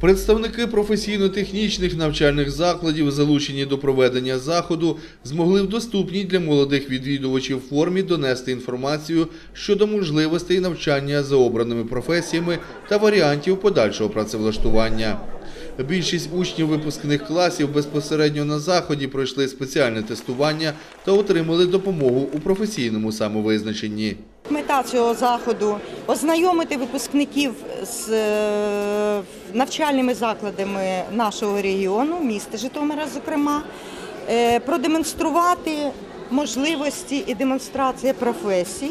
Представники професійно-технічних навчальних закладів, залучені до проведення заходу, змогли в доступній для молодих відвідувачів формі донести інформацію щодо можливостей навчання за обраними професіями та варіантів подальшого працевлаштування. Більшість учнів випускних класів безпосередньо на заході пройшли спеціальне тестування та отримали допомогу у професійному самовизначенні. Мета цього заходу – ознайомити випускників з навчальними закладами нашого регіону, міста Житомира, зокрема, продемонструвати можливості і демонстрація професій,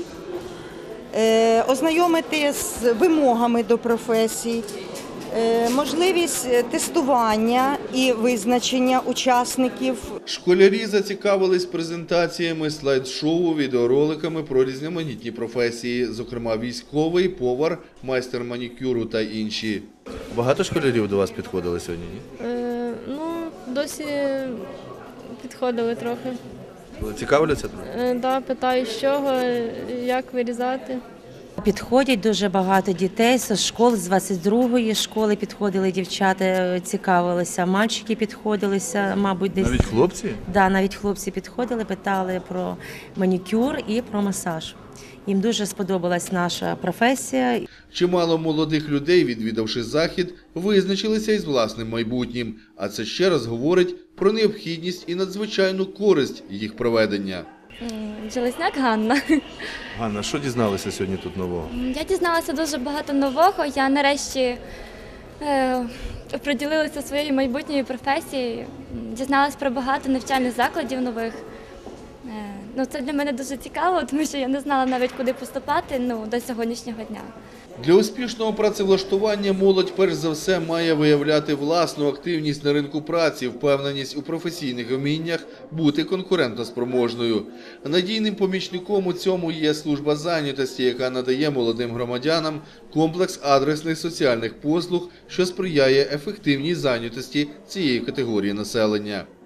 ознайомити з вимогами до професій, можливість тестування і визначення учасників. Школярі зацікавились презентаціями, слайд-шоу, відеороликами про різноманітні професії, зокрема військовий, повар, майстер манікюру та інші. Багато школярів до вас підходили сьогодні? Досі підходили трохи. Цікавляться трохи? Так, питаю, з чого, як вирізати. Підходять дуже багато дітей з школи, з 22-ї школи підходили дівчата, цікавилися, мальчики підходилися, мабуть, десь. Навіть хлопці? Да, навіть хлопці підходили, питали про манікюр і про масаж. Їм дуже сподобалась наша професія. Чимало молодих людей, відвідавши захід, визначилися із власним майбутнім. А це ще раз говорить про необхідність і надзвичайну користь їх проведення. Железняк Ганна. Ганна, що дізналися сьогодні тут нового? Я дізналася дуже багато нового. Я нарешті приділилася своєю майбутньою професією. Дізналася про багато навчальних закладів нових. Це для мене дуже цікаво, тому що я не знала навіть, куди поступати до сьогоднішнього дня. Для успішного працевлаштування молодь перш за все має виявляти власну активність на ринку праці, впевненість у професійних вміннях, бути конкурентоспроможною. Надійним помічником у цьому є служба зайнятості, яка надає молодим громадянам комплекс адресних соціальних послуг, що сприяє ефективній зайнятості цієї категорії населення.